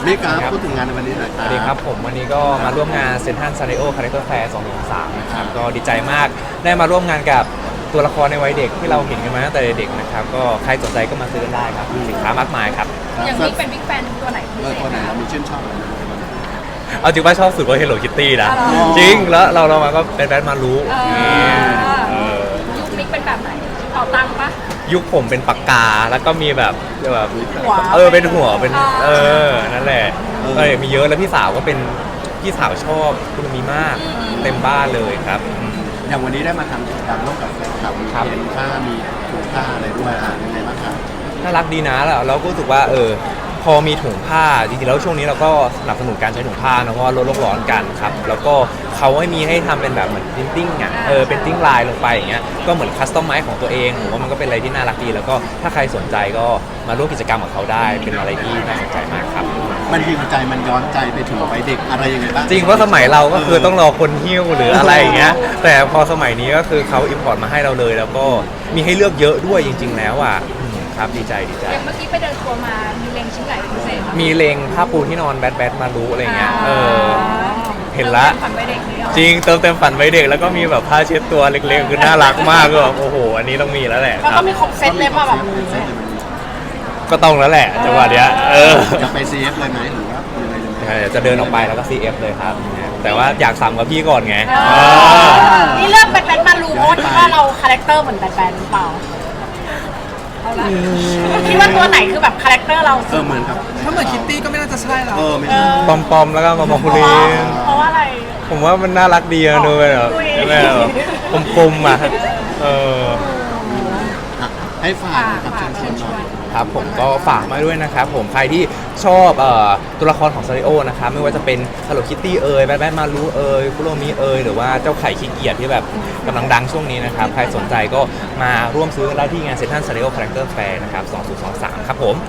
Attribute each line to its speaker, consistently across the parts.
Speaker 1: นี่ครับพูดถึงงานในวันนี้หน่อยค
Speaker 2: ส
Speaker 1: รับ
Speaker 2: วัสดีครับผมวันนี้ก็มาร่วมงานเซนทรัลซาริโอคาแรคเตอร์แฟร์2023นะครับก็ดีใจมากได้มาร่วมงานกับตัวละครในวัยเด็กที่เราเห็นกันมาตั้งแต่เด็กนะครับก็ใครสนใจก็มาซื้อกันได้ครับมีสินค้ามากมายครับ
Speaker 3: อย่างนี้เป็นบิ๊กแฟนตัวไหนพิเศษ
Speaker 1: ตัวไหนเรามีชื่นชอบอะไรไหม
Speaker 2: เอาจริงว่าชอบสุดว่า Hello Kitty นะ
Speaker 3: อ๋อ
Speaker 2: จริงแล้วเรามาก็เป็นแบทมารู้เออ
Speaker 3: ยุคมิกเป็นแบบไหนเป่าตังค์ปะ
Speaker 2: ยุคผมเป็นปากกาแล้วก็มีแบบ
Speaker 3: หัว
Speaker 2: เป็นหัวเป็นนั่นแหละมีเยอะแล้วพี่สาวก็เป็นพี่สาวชอบคุณมีมากเต็มบ้านเลยครับ
Speaker 1: อย่างวันนี้ได้มาทำกิจกรรมร่วมกับแฟนคลับมี
Speaker 2: ครับ
Speaker 1: เขียนผ้ามีถุงผ้าอะไรด้วยยังไงบ้างครับ
Speaker 2: น่ารักดีนะแล้วเราก็รู้สึกว่าพอมีถุงผ้าจริงๆแล้วช่วงนี้เราก็สนับสนุนการใช้ถุงผ้านะเพราะว่าลดโลกร้อนกันครับแล้วก็เขาให้มีให้ทำเป็นแบบเหมือนพิมพ์ติ้งอ่ะเป็นติ้งลายลงไปอย่างเงี้ยก็เหมือนคัสตอมไมซ์ของตัวเองผมว่ามันก็เป็นอะไรที่น่ารักดีแล้วก็ถ้าใครสนใจก็มาร่วมกิจกรรมกับเขาได้เป็นอะไรที่น่าสนใจมากครับ
Speaker 1: มันฮิวใจมันย้อนใจไปถึงวัยเด็กอะไรยังไงบ้าง
Speaker 2: จริงเพราะสมัยเราก็คือต้องรอคนหิ้วหรืออะไรอย่างเงี้ยแต่พอสมัยนี้ก็คือเขาอิมพอร์ตมาให้เราเลย แล้วก็มีให้เลือกเยอะด้วยจริง ๆ แล้วอ่ะครับดีใจ
Speaker 3: อย่างเมื่อกี้ไปเดินทัวร์มามีเล็งชิ้นไหนเป็นพิเศษ
Speaker 2: มีเลงผ้าปูที่นอนแบทมารู้อะไรเงี้ยเห็นละ
Speaker 3: ฝันไปเด็กนี่หรอ
Speaker 2: จริงเติมเต็มฝันไว้เด็กแล้วก็มีแบบผ้าเช็ดตัวเล็กๆคือน่ารักมากก็แบบโอ้โหอันนี้ต้องมีแล้วแหละ
Speaker 3: แล้ว
Speaker 2: ค
Speaker 3: ก็
Speaker 2: รับ
Speaker 3: มีครบเซตเลยป่ะแบบ
Speaker 2: ก็ต้องแล้วแหละจังหวะเนี้ย
Speaker 1: จะไป CF เลยไหมหรือว่ายังไงยังไง
Speaker 2: จะเดินออกไปแล้วก็ CF เลยครับแต่ว่าอยากสั่งกับพี่ก่อนไง
Speaker 3: นี่เลือกแบทมารูเพราะว่าคิดว่าเราคาแรคเตอร์เหมือนแบทหรือเปล่าเอาละคิดว่าตัวไหนคือแบบคาแรคเตอร์เราสุด
Speaker 1: เหมือนกับ
Speaker 4: ถ้าเหมือนคิตตี้ก็ไม่น่าจะใช่แล้ว
Speaker 1: ไม่ใช่
Speaker 2: ปอมๆแล้วก็มาคุ
Speaker 3: เพ
Speaker 2: รี
Speaker 3: ราะว่าอะไร
Speaker 2: ผมว่ามันน่ารักดีอะดูแบบกลมๆอ่ะ
Speaker 1: ให้ฝากนะครับเชิญชวนหน่อย
Speaker 2: ครับผมก็ฝากมาด้วยนะครับผมใครที่ชอบตัวละครของซาริโอนะครับไม่ว่าจะเป็น Hello Kitty แบทมารู้คุโรมิหรือว่าเจ้าไข่ขี้เกียจที่แบบกำลังดังช่วงนี้นะครับใครสนใจก็มาร่วมซื้อกันได้ที่งานเซ็นทรัลซาริโอคาแรคเตอร์แฟร์นะครับ2023ครับผม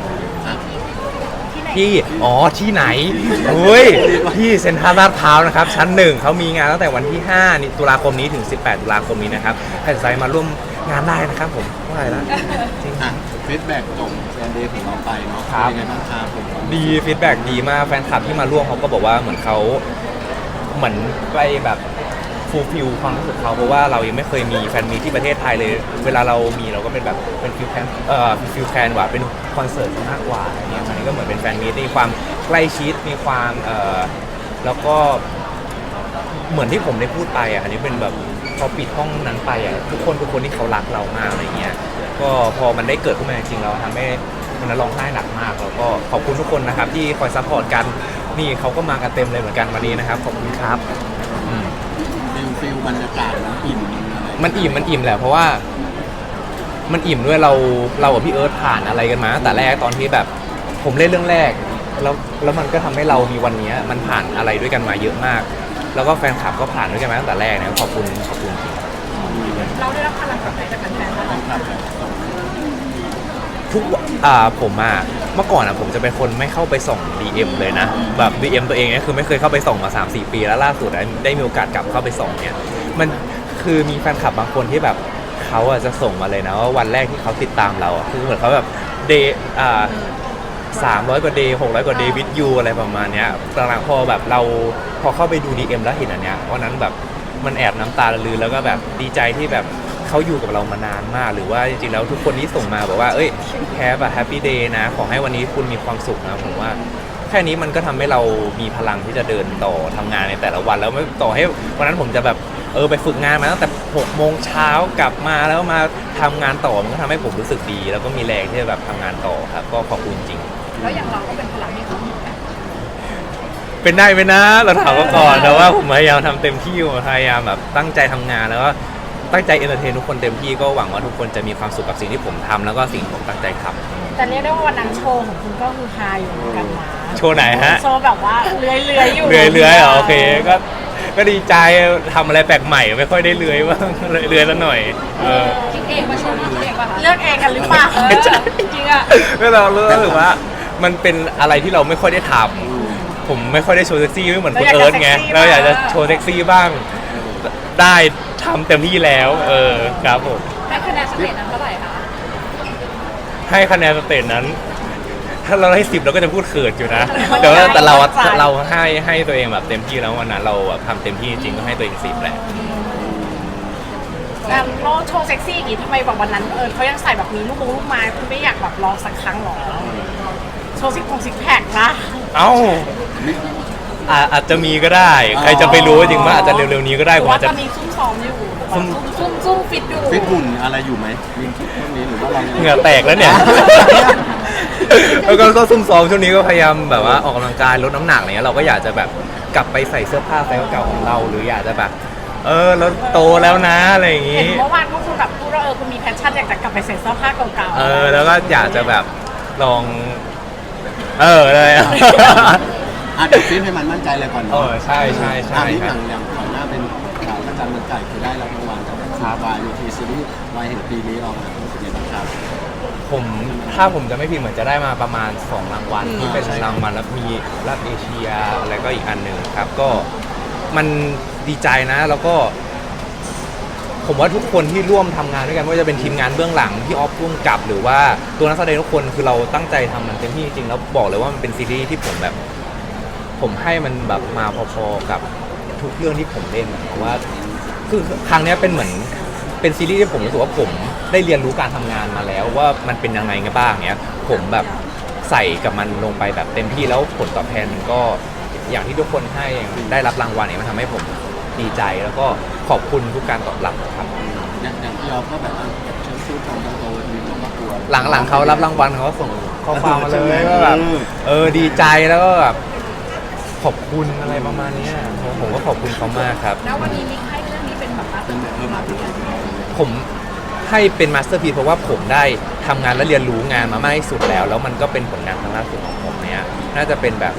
Speaker 2: ที่ที่ไหนที่เซ็นทรัลลาดพร้าวนะครับชั้น1เขามีงานตั้งแต่วันที่5ตุลาคมนี้ถึง18ตุลาคมนี้นะครับใครสนใจมาร่วมงานได้นะครับผมเท่าไหร่ละจริง
Speaker 1: ฟีดแบ็กของแฟนเดย์ของเราไปเนาะ
Speaker 2: ครับ
Speaker 1: ยังไงบ้างครับผม
Speaker 2: ดีฟีดแบ็กดีมากแฟนคลับที่มาร่วมเขาก็บอกว่าเหมือนเขาเหมือนไปแบบฟูลฟิลความรู้สึกเขาเพราะว่าเรายังไม่เคยมีแฟนมีที่ประเทศไทยเลยเวลาเรามีเราก็เป็นแบบเป็นฟิลแคนว่าเป็นคอนเสิร์ตมากกว่าอะไรเงี้ยอันนี้ก็เหมือนเป็นแฟนมีที่มีความใกล้ชิดมีความแล้วก็เหมือนที่ผมได้พูดไปอ่ะอันนี้เป็นแบบพอปิดห้องนั้นไปอ่ะทุกคนที่เขารักเรามากอะไรเงี้ยก็พอมันได้เกิดขึ้นมาจริงๆเราทำให้วันนั้นร้องไห้หนักมากแล้วก็ขอบคุณทุกคนนะครับที่คอยซัพพอร์ตกันนี่เขาก็มากันเต็มเลยเหมือนกันวันนี้นะครับขอบคุณครับ
Speaker 1: ฟิลบรรยากาศมันอิ่มอะไร
Speaker 2: มันอิ่มแหละเพราะว่ามันอิ่มด้วยเรากับพี่เอิร์ธผ่านอะไรกันมาตั้งแต่แรกตอนที่แบบผมเล่นเรื่องแรกแล้วมันก็ทำให้เรามีวันนี้มันผ่านอะไรด้วยกันมาเยอะมาก แล้วก็แฟนคลับก็ผ่านด้วยกันมาตั้งแต่แรกนะขอบคุณจริง
Speaker 3: เราได้รับพลังจากไหนจากแฟนๆบ้าง
Speaker 1: ครับ
Speaker 2: ทุกผมเมื่อก่อนผมจะเป็นคนไม่เข้าไปส่อง DM เลยนะแบบ DM ตัวเองเนี่ยคือไม่เคยเข้าไปส่องมา 3-4 ปีแล้วล่าสุดได้มีโอกาสกลับเข้าไปส่องเนี่ยมันคือมีแฟนคลับบางคนที่แบบเขาจะส่งมาเลยนะว่าวันแรกที่เขาติดตามเราคือเหมือนเขาแบบเดย์300 กว่าเดย์600 กว่าเดย์วิดยูอะไรประมาณเนี้ยหลังๆพอแบบเราพอเข้าไปดู DM แล้วเห็นอันเนี้ยวันนั้นแบบมันแอบน้ำตาลือแล้วก็แบบดีใจที่แบบเขาอยู่กับเรามานานมากหรือว่าจริงๆแล้วทุกคนที่ส่งมาบอกว่าแฮปปี้เดย์นะขอให้วันนี้คุณมีความสุขนะผมว่าแค่นี้มันก็ทำให้เรามีพลังที่จะเดินต่อทำงานในแต่ละวันแล้วไม่ต่อให้วันนั้นผมจะแบบไปฝึกงานมาตั้งแต่6 โมงเช้ากลับมาแล้วมาทำงานต่อมันก็ทำให้ผมรู้สึกดีแล้วก็มีแรงที่จะแบบทำงานต่อครับก็ขอบคุณจริง
Speaker 3: แล้วอย่างเราก็เป็นพลังให้เขา
Speaker 2: เป็นได้ไหมนะเราถามมาก่อนแต่ว่าผมพยายามทำเต็มที่พยายามแบบตั้งใจทำงานแล้วก็ตั้งใจเอนเตอร์เทนทุกคนเต็มที่ก็หวังว่าทุกคนจะมีความสุขกับสิ่งที่ผมทำแล้วก็สิ่งที่ผมตั้งใจทำ
Speaker 3: แต่เรียกได้ว่าวันนั้นโชว์ของคุณก็คือฮาอยู่เหมือนกันนะ
Speaker 2: โชว์ไหนฮะ
Speaker 3: โชว์แบบว่าเลื้อยๆอยู่
Speaker 2: เลื้อยเหรอโอเคก็ดีใจทำอะไรแปลกใหม่ไม่ค่อยได้เลื้อยบ้างเลื้อยแล้วหน่อย
Speaker 3: คิดเองมาโชว์เองป่ะเลือกเองกันหรือเปล่าจริงๆอ่ะ
Speaker 2: ก็เรารู้สึกว่ามันเป็นอะไรที่เราไม่ค่อยได้ทำผมไม่ค่อยได้โชว์เซ็กซี่ไม่เหมือนคุณเอิร์ธไงเราอยากจะโชว์เซ็กซี่บ้างได้ทำเต็มที่แล้วครับผม
Speaker 3: ให้คะแนนสเตจนั้นเท่าไหร่คะ
Speaker 2: ให้คะแนนสเตจนั้นถ้าเราให้10เราก็จะพูดเขินอยู่นะแต่เราให้ตัวเองแบบเต็มที่แล้ววันนั้นเราแบบทำเต็มที่จริงๆก็ให้ตัวเอง10แหละ
Speaker 3: งานโลโชว์เซ็กซี่อย่างงี้ทำไมแบบวันนั้นเขายังใส่แบบมีลูกไม้คุณไม่อยากแบบลองสักครั้งหรอโชว์ซิกแพคนะ
Speaker 2: เอ้าอาจจะมีก็ได้ ใครจะไปรู้จริงว่าอาจจะเร็วๆนี้ก็ได้
Speaker 3: หรื
Speaker 2: ผ
Speaker 3: อ
Speaker 2: ม
Speaker 3: ว่า
Speaker 2: อาจจะ
Speaker 3: ตอนนี้ซุ่มซ้อมอยู่ ซุ่มฟิตอยู่
Speaker 1: ฟิตหุ่นอะไรอยู่ไหมมีคิดพวกนี้หรือว่าเรา
Speaker 2: เหงื่อแตกแล้วเนี่ย แล้วก็ซุ่มซ้อมช่วงนี้ก็พยายามแบบว่าออกกำลังกายลดน้ำหนักอะไรเงี้ยเราก็อยากจะแบบกลับไปใส่เสื้อผ้าไซส์เก่าของเรา หรืออยากจะแบบเราโตแล้วนะอะไรอย่าง
Speaker 3: เห็
Speaker 2: งี้
Speaker 3: นเมื่อวานพวกคุณแบบพูดว่าคุณมีแพชชั่นอยากจะกลับไปใส่เสื้อผ้าเก่าๆ
Speaker 2: แล้วก็อยากจะแบบลองเลย
Speaker 1: เดี๋ยวฟิตให้มันมั่นใจเลยก่อนเนาะ
Speaker 2: ใช่
Speaker 1: นี่
Speaker 2: ค
Speaker 1: อ
Speaker 2: รับ
Speaker 1: ย่างก่อนหน้าเป็นข่าวพระจันทร์มันไก่คือได้รับรางวัลจากวายทีซีรีส์วายแห่งปีนี้เรารู้สึกยังไงบ้างครับ
Speaker 2: ถ้าผมจะไม่ผิดเหมือนจะได้มาประมาณ2รางวัลที่เป็น
Speaker 1: ใช่
Speaker 2: รางวัลแล้วมีรับเอเชียอะไรก็อีกอันหนึ่งครับ ก็มันดีใจนะแล้วก็ ผมว่าทุกคนที่ร่วมทำงานด้วยกันไม่ว่าจะเป็นทีมงานเบื้องหลังที่ออฟพุ่งกับหรือว่าตัวนักแสดงทุกคนคือเราตั้งใจทำมันเต็มที่จริงๆแล้วบอกเลยว่ามันเป็นซีรีส์ที่ผมให้มันแบบมาพอๆกับทุกเรื่องที่ผมเล่นเพราะว่าคือครั้งนี้เป็นเหมือนเป็นซีรีส์ที่ผมรู้สึกว่าผมได้เรียนรู้การทำงานมาแล้วว่ามันเป็นยังไงกันบ้างเนี้ยผมแบบใส่กับมันลงไปแบบเต็มที่แล้วผลตอบแทนมันก็อย่างที่ทุกคนให้ได้รับรางวัลเนี่ยมันทำให้ผมดีใจแล้วก็ขอบคุณทุกการตอบรับครับ
Speaker 1: อย่างที่เราก็แบบว่าเชิญชูของโตมีความประกวด
Speaker 2: หลังเขารับรางวัลเขาก็ส่งข้อความมาเลยว่าแบบดีใจแล้วก็แบบขอบคุณอะไรประมาณเนี้ยผมก็ขอบคุณเขามากครับ
Speaker 3: แล้ววันนี้มิกให้เรื่องนี้เป็นแบบมา
Speaker 1: เป็นแบบมาที่
Speaker 2: ผมให้เป็นมาสเตอร์พีซเพราะว่าผมได้ทำงานและเรียนรู้งานมามากที่สุดแล้วมันก็เป็นผลงานครั้งล่าสุดของผมเนี้ยน่าจะเป็นแบบ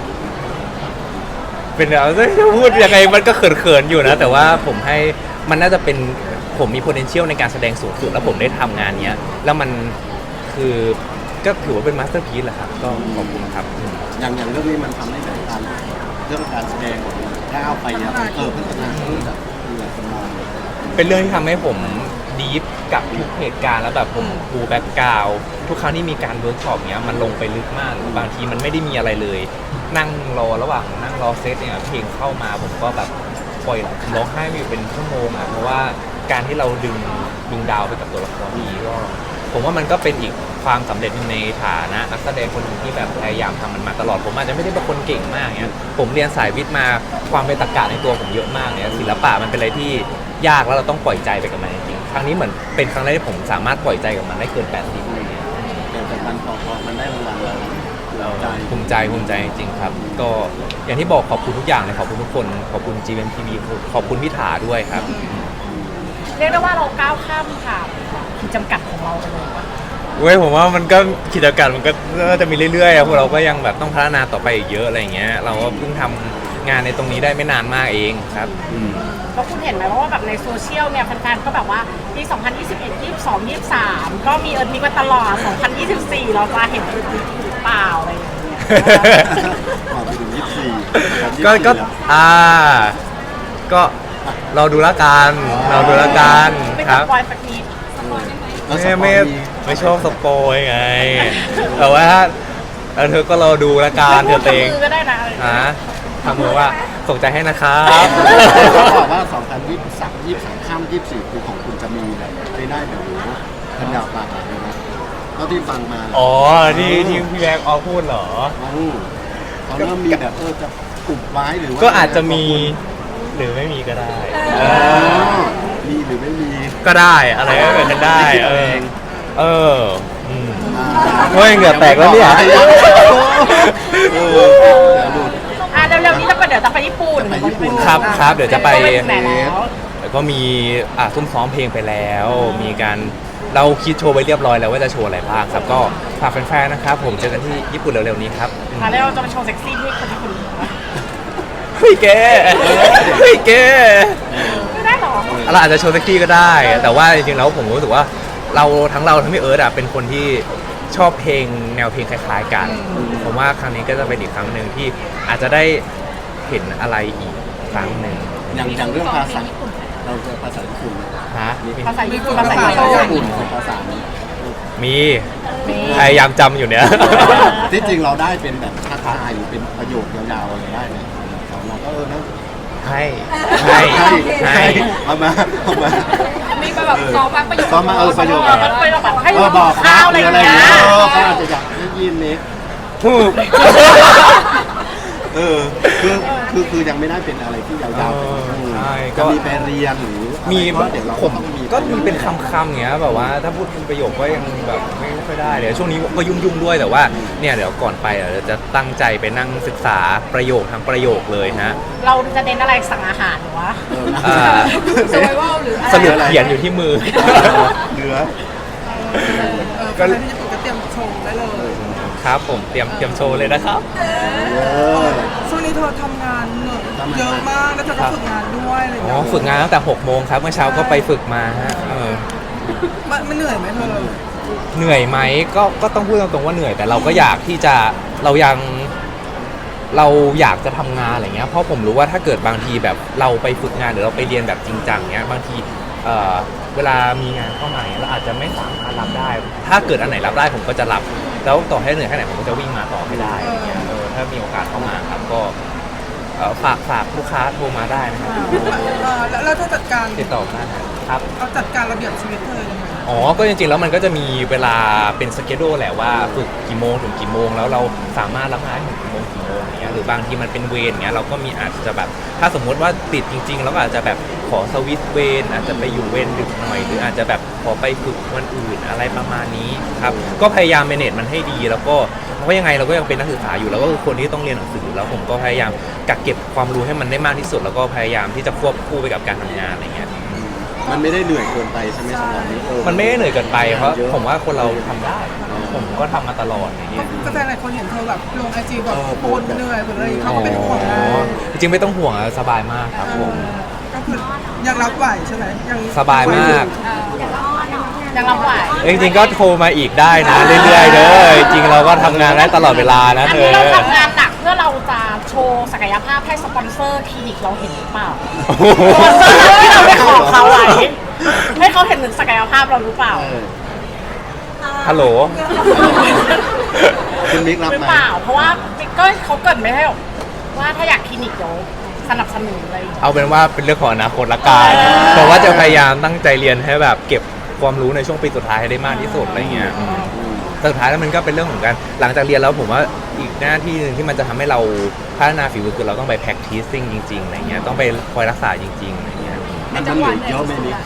Speaker 2: จะพูดยังไงมันก็เขินๆอยู่นะแต่ว่าผมให้มันน่าจะเป็นผมมี potential ในการแสดงสูงสุดแล้วผมได้ทำงานเนี้ยแล้วมันคือก็ถือว่าเป็นมาสเตอร์พีซแหละครับก็ขอบคุณครับ
Speaker 1: อย่างเรื่องนี้มันทำให้แบบการเรื่องการแสดงของมันก้าวไปนะพัฒนาขึ้นจากคนมอง
Speaker 2: เป็นเรื่องที่ทำให้ผมดีฟกับทุกเหตุการณ์แล้วแบบผมปูแบ็กกราวด์ทุกครั้งที่มีการเวิร์กช็อปเนี้ยมันลงไปลึกมากบางทีมันไม่ได้มีอะไรเลย นั่งรอระหว่างนั่งรอเซตเนี่ยเพลงเข้ามาผมก็แบบปล่อยร้องไห้ไปอยู่เป็นชั่วโมงอ่ะเพราะว่าการที่เราดึงดาวไปกับตัวละครนี้ก็ผมว่ามันก็เป็นอีกความสำเร็จในฐานะนักแสดงคนหนึ่งที่แบบพยายามทำมันมาตลอดผมอาจจะไม่ได้เป็นคนเก่งมากเนี่ยผมเรียนสายวิทย์มาความเป็นตรรกะในตัวผมเยอะมากเนี่ยศิลปะมันเป็นอะไรที่ยากแล้วเราต้องปล่อยใจไปกับมันจริงๆครั้งนี้เหมือนเป็นครั้งแรกที่ผมสามารถปล่อยใจกับมันได้เกิน80อะไรเงี้ย
Speaker 1: แต่มันพอมันได้รางวัลเรา
Speaker 2: ภูมิใจจริงๆครับก็อย่างที่บอกขอบคุณทุกอย่างเลยขอบคุณทุกคนขอบคุณ GMTV ขอบคุณพี่ถาด้วยครับ
Speaker 3: เรียกได้ว่าเราก้าวข้ามค่ะขีดจำกัดของเราไปเลย
Speaker 2: เว้ยผมว่ามันก็กิจกรรมมันก็จะมีเรื่อยๆอะพวกเราก็ยังแบบต้องพัฒนาต่อไปอีกเยอะอะไรอย่างเงี้ยเราก็เพิ่งทำงานในตรงนี้ได้ไม่นานมากเองครับ
Speaker 3: แล้วคุณเห็นไหมว่าแบบในโซเชียลเนี่ยแฟนๆก็แบบว่าปี 2021 22 23 ก็มีมิกมาตลอด 2024 เราจะเห็นหรือเปล่าอะไรอย่างเงี้ย
Speaker 1: ต่อไปถึง24
Speaker 2: ก็ก็เราดูละกัน
Speaker 3: ไม่
Speaker 2: ค
Speaker 3: ต้อ
Speaker 2: รั
Speaker 3: ง
Speaker 2: บ
Speaker 3: ปล่อยสักนิด
Speaker 2: ไม่ชอบสปอยไงแต่ว่าเธอก็รอดูละกันเธอเอง
Speaker 3: มือก็ได้นะ
Speaker 2: ทำมือว่าส่งใจให้นะครับ
Speaker 1: เขาบอกว่า 2023 23ข้าม24คือของคุณจะมีแบบได้แบบนี้ทันยาวปากเลยนะก็ที่ฟังมา
Speaker 2: อ๋อที่พี่แบ็กออฟพูดเหรอ
Speaker 1: เขาเริ่มมีแบบจะอุบไว้หรือว่า
Speaker 2: ก็อาจจะมีหรือไม่มีก็ได้
Speaker 1: มีหรือไม่มี
Speaker 2: ก็ได้อะไรก็เกิดขึ้นได้เฮ้ยเหงื่อแตกแล้วเนี่ย
Speaker 1: เดี๋ยวดู
Speaker 3: เร็วๆนี้เดี๋ยวจะไปญี่ปุ่น
Speaker 1: จะไปญี่ปุ่น
Speaker 2: ครับเดี๋ยวจะไป
Speaker 3: ไหนแล้ว
Speaker 2: แล้วก็มีซุ่มซ้อมเพลงไปแล้ว มีการเราคิดโชว์ไปเรียบร้อยแล้วว่าจะโชว์อะไรบ้างครับก็ฝากแฟนๆนะครับผมเจอกันที่ญี่ปุ่นเร็วๆนี้ครับ
Speaker 3: แล้วเราจะมาโชว์เซ็กซี่ที่คนญี่ปุ่น
Speaker 2: เฮ้ยแก
Speaker 3: ไม่ได้หรอ
Speaker 2: เราอาจจะโชว์เซ็กซี่ก็ได้ แต่ว่าจริงๆแล้วผมรู้สึกว่าเราทั้งพี่เอิร์ธเป็นคนที่ชอบเพลงแนวเพลงคล้ายๆกัน ผมว่าครั้งนี้ก็จะเป็นอีกครั้งหนึ่งที่อาจจะได้เห็นอะไรอีกครั้งหนึ่ง
Speaker 1: อย่างเรื่องภาษาเราจะภาษาญี่ปุ่น
Speaker 2: ฮะ
Speaker 3: ภาษาญี่ปุ่น
Speaker 1: ภาษาญี่ปุ่นภาษา
Speaker 2: มีพยายามจำอยู่เนี่ย
Speaker 1: ที่จริงเราได้เป็นแบบทักทายหรือเป็นประโยคยาวๆอะไรได้ไหมเราก็นะ
Speaker 2: ให้
Speaker 1: เอามา
Speaker 5: มีแบบซ้อมบ้างประโยค
Speaker 1: ซ้อมมาประโยค
Speaker 3: มันเป็นแบบให้
Speaker 1: บอก
Speaker 3: ข้าวอะไรอย่างเงี้ย
Speaker 1: เขาอาจจะอยากได้ยินนี้
Speaker 2: ถูก
Speaker 1: คือยังไม่ได้เป็นอะไรที่ยาวๆ
Speaker 2: ใช่
Speaker 1: ก็มีไปเรียนหรือ
Speaker 2: มี
Speaker 1: เดี๋ยวเรา
Speaker 2: ผม
Speaker 1: ต้องมี
Speaker 2: ก็มีเป็นคำๆอย่างเงี้ยแบบว่าถ้าพูดเป็นประโยคก็ยังแบบไม่ค่อยได้เดี๋ยวช่วงนี้ก็ยุ่งๆด้วยแต่ว่าเนี่ยเดี๋ยวก่อนไปเดี๋ยวจะตั้งใจไปนั่งศึกษาประโยคทั้งประโยคเลยนะ
Speaker 3: เราจะเน้นอะไรสั่งอาหารหรือวะ
Speaker 2: อ่า
Speaker 5: สไวเวลหรืออะไร
Speaker 2: สรุปเขียนอยู่ที่มือ
Speaker 1: เหลือ
Speaker 4: ก็ที่ญี่ปุ่นก็เตรียมชงได้เลย
Speaker 2: ครับผมเตรียมโชว์เลยนะครับ
Speaker 4: ช่วงนี้เธอทำงานเหนื่อยเยอะมากแล้วเธอก็ฝึกงานด้วยอะไรอย่าง
Speaker 2: อ๋อ
Speaker 4: เงี้ย
Speaker 2: ฝึกงานตั้งแต่6 โมงครับเมื่อเช้าก็ไปฝึกมาฮะ
Speaker 4: มันเหนื่อยไหมเธอ
Speaker 2: เหนื่อยไหมก็ต้องพูดตรงๆว่าเหนื่อยแต่เราก็อยากที่จะเราอยากจะทำงานอะไรเงี้ยเพราะผมรู้ว่าถ้าเกิดบางทีแบบเราไปฝึกงานหรือเราไปเรียนแบบจริงจังเงี้ยบางทีเวลามีงานเข้ามาเนี่ยเราอาจจะไม่สามารถรับได้ ถ้าเกิดอันไหนรับได้ผมก็จะรับแล้วต่อให้เหนื่อยแค่ไหนผมก็จะวิ่งมาต่อให้ได้อะไรเงี้ยถ้ามีโอกาสเข้ามาครับก็ฝากลูกค้าโทรมาได้นะครับ
Speaker 4: แล้วเธอจัดการ
Speaker 2: ติดต่อได้ครับ
Speaker 4: เอาจัดการระเบียบชีวิตเธอยังไง
Speaker 2: อ๋อ ก็จริงๆ แล้วมันก็จะมีเวลาเป็นสเกดูแหละว่าฝึกกี่โมงถึงกี่โมงแล้วเราสามารถรับงานถึงกี่โมงอย่างเงี้ยหรือบางทีมันเป็นเวรเงี้ยเราก็มีอาจจะแบบถ้าสมมุติว่าติดจริงๆเราก็อาจจะแบบขอสวิตช์เวรอาจจะไปอยู่เวรดึกหน่อยหรืออาจจะแบบขอไปฝึกวันอื่นอะไรประมาณนี้ครับก็พยายามเมเนจมันให้ดีแล้วก็เพราะยังไงเราก็ยังเป็นนักศึกษาอยู่แล้วก็คือคนที่ต้องเรียนหนังสือแล้วผมก็พยายามกักเก็บความรู้ให้มันได้มากที่สุด แล้วก็พยายามที่จะควบคู่ไปกับการทำงานอะไรเงี้ย
Speaker 1: มันไม่ได้เหนื่อยเกินไปใช่ไหมสำหรับนี้
Speaker 2: มันไม่ได้เหนื่อยเกินไปเพราะผมว่าคนเราทำได้ ผมก็ทำมาตลอดอย่างเงี้ย
Speaker 4: ก็แฟนหลายคนเห็นเธอแบบลงไอจีแบบโพสเหนื่อยหรืออะไรเขาก็เป็นห่วงนะ
Speaker 2: จริงๆไม่ต้องห่วงอะสบายมากครับผม
Speaker 4: ก็คือยังรับไหวใช่ไหมยัง
Speaker 2: สบายมาก
Speaker 3: ยังรับไหว
Speaker 2: จริงๆก็โทรมาอีกได้นะเรื่อยๆเด้อจริงๆเราก็ทำงานได้ตลอดเวลานะ
Speaker 3: อัน
Speaker 2: เธ
Speaker 3: นี้
Speaker 2: อ
Speaker 3: เราทำงานหนักเพื่อเราจะโชว์ศักยภาพให้สปอนเซอร์คลินิกเราเห็นหรือเปล่าสปอนเซอร์ที่เราไปขอเขาไว้ให้เขาเห็นถึงศักยภาพเราหรือเปล่า
Speaker 2: ฮัลโหล
Speaker 1: คุณมิกรับ
Speaker 3: หรือ
Speaker 1: ไหม
Speaker 3: เปล่า เพราะว่าก็เขาเกิดไม่ให้หรอกว่าถ้าอยากคลินิกเดี๋ยวสนับสนุนอะไรอย่างเงี้ย
Speaker 2: เอาเป็นว่าเป็นเรื่องของอนาคตละกันเพราะว่าจะพยายามตั้งใจเรียนให้แบบเก็บความรู้ในช่วงปีสุดท้ายให้ได้มากที่สุดอะไรเงี้ยแต่สุดท้ายแล้วมันก็เป็นเรื่องของการหลังจากเรียนแล้วผมว่าอีกหน้าที่หนึ่งที่มันจะทำให้เราพัฒนาฝีมือคือเราต้องไป practicing จริงๆอะไรเงี้ยต้องไปคอยรักษาจริงๆอะไรเงี้ย
Speaker 1: มันเหลือเยอะไหมมิก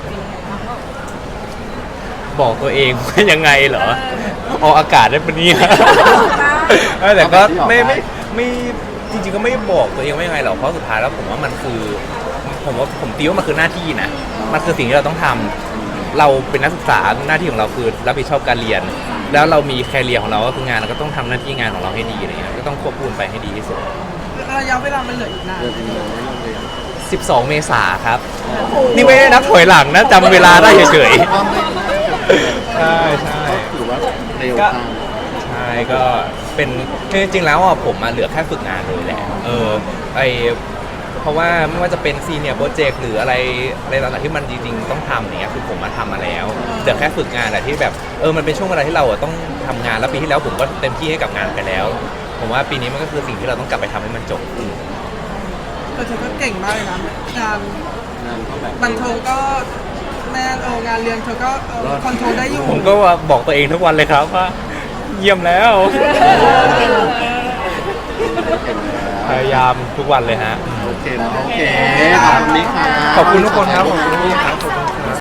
Speaker 2: บอกตัวเองว่ายังไงเหรอออกอากาศได้ปะเนี่ยแต่ก็ไม่จริงๆก็ไม่บอกตัวเองว่ายังไงหรอกเพราะสุดท้ายแล้วผมว่ามันคือผมตีว่ามันคือหน้าที่นะมันคือสิ่งที่เราต้องทำเราเป็นนักศึกษาหน้าที่ของเราคือรับผิดชอบการเรียน แล้วเรามีแคเรียของเราก็คืองานเราก็ต้องทำหน้าที่งานของเราให้ดีอะไรเงี้ยก็ต้องควบคู่ไปให้ดีที่สุด
Speaker 4: ระยะเวลามันเหลืออีกนาน
Speaker 2: 12 เมษาครับ นี่ไม่ได้นับถอยหลังนะจำเวลาได้เฉยๆใช่ใช่
Speaker 1: ถือว่าเร็วตาม
Speaker 2: ใช่ก็เป็นจริงๆแล้วอ่ะผมมาเหลือแค่ฝึกงานเลยแหละเพราะว่าไม่ว่าจะเป็นซีเนียร์โปรเจกต์หรืออะไรต่างๆที่มันจริงๆต้องทำอย่างเงี้ยคือผมมาทำมาแล้วเหลือแค่ฝึกงานแหละที่แบบมันเป็นช่วงเวลาที่เราอะต้องทำงานแล้วปีที่แล้วผมก็เต็มที่ให้กับงานไปแล้ว ผมว่าปีนี้มันก็คือสิ่งที่เราต้องกลับไปทำให้มันจบ
Speaker 4: แต่เธอก็เก่งมากเลยนะงาน
Speaker 1: งานเขาแบบ
Speaker 4: บันเทิงก็แม่งานเรียนเธอก็คอนโทรลได้อยู่
Speaker 2: ผมก็ว่าบอกตัวเองทุกวันเลยครับว่าเยี่ยมแล้ว พยายามทุกวันเลยฮะ
Speaker 1: โอเคนะโอเคขอบคุณมิกค่ะ
Speaker 2: ขอบคุณทุกคนครับขอบคุณทุกคนครับ